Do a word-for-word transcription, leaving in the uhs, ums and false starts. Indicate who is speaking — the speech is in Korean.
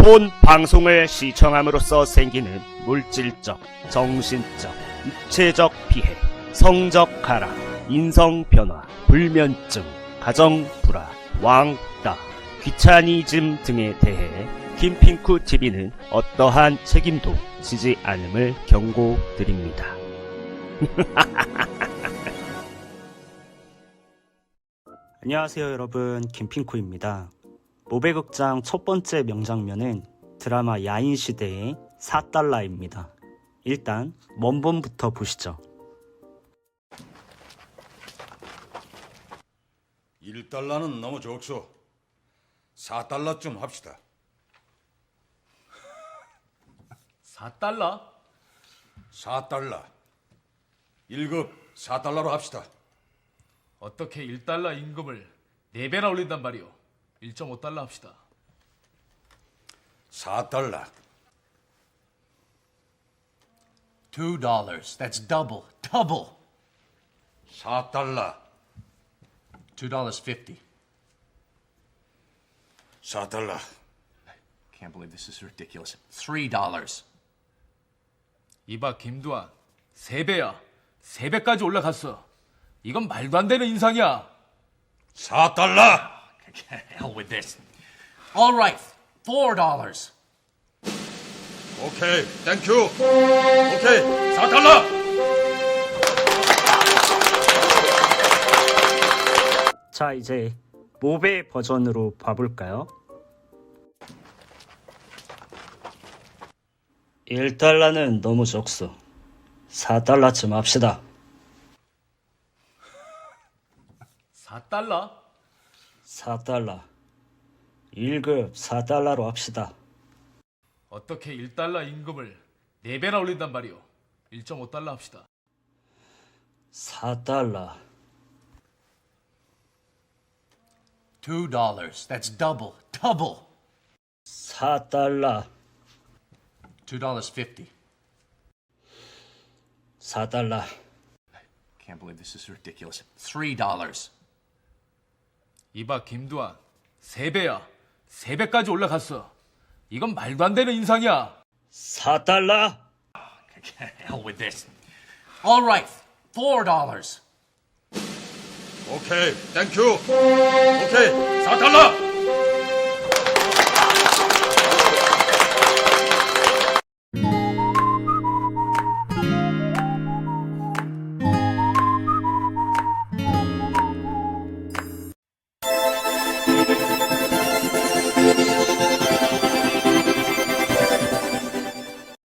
Speaker 1: 본 방송을 시청함으로써 생기는 물질적, 정신적, 육체적 피해, 성적 하락, 인성 변화, 불면증, 가정 불화, 왕따, 귀차니즘 등에 대해 김핑쿠티비는 어떠한 책임도 지지 않음을 경고드립니다.
Speaker 2: 안녕하세요 여러분, 김핑쿠입니다. 모베극장 첫 번째 명장면은 드라마 야인시대의 사 달러입니다. 일단 원본부터 보시죠.
Speaker 3: 일 달러는 너무 적소. 사 달러쯤 합시다.
Speaker 4: 사 달러?
Speaker 3: 사 달러. 일 급 사 달러로 합시다.
Speaker 4: 어떻게 일 달러 임금을 네 배나 올린단 말이오. 일 점 오 달러 합시다.
Speaker 3: 사 달러.
Speaker 5: Two dollars. That's double. Double.
Speaker 3: 사 달러.
Speaker 5: Two dollars fifty.
Speaker 3: 사 달러.
Speaker 5: Can't believe this is ridiculous. Three dollars.
Speaker 4: 이봐 김두한, 세 배야. 세 배까지 올라갔어. 이건 말도 안 되는 인상이야.
Speaker 3: 사 달러.
Speaker 5: Hell with this. All right. Four dollars.
Speaker 3: 오케이. 땡큐. 오케이. 사 달러.
Speaker 2: 자, 이제 모베 버전으로 봐볼까요? 일 달러는 너무 적소. 사 달러쯤 합시다.
Speaker 4: 사 달러?
Speaker 2: 사 달러. 일 급 사 달러로 합시다.
Speaker 4: 어떻게 일 달러 임금을 네 배나 올린단 말이오. 일 점 오 달러 합시다.
Speaker 2: 사 달러.
Speaker 5: Two dollars. That's double. Double.
Speaker 2: 사 달러.
Speaker 5: Two dollars fifty.
Speaker 2: 사 달러.
Speaker 5: Can't believe this is ridiculous. Three dollars.
Speaker 4: 이봐 김두한, 세 배야. 세 배까지 올라갔어. 이건 말도 안 되는 인상이야.
Speaker 2: 사 달러.
Speaker 5: Hell with this. All right. Four dollars.
Speaker 3: 오케이. 땡큐. 오케이. 사 달러.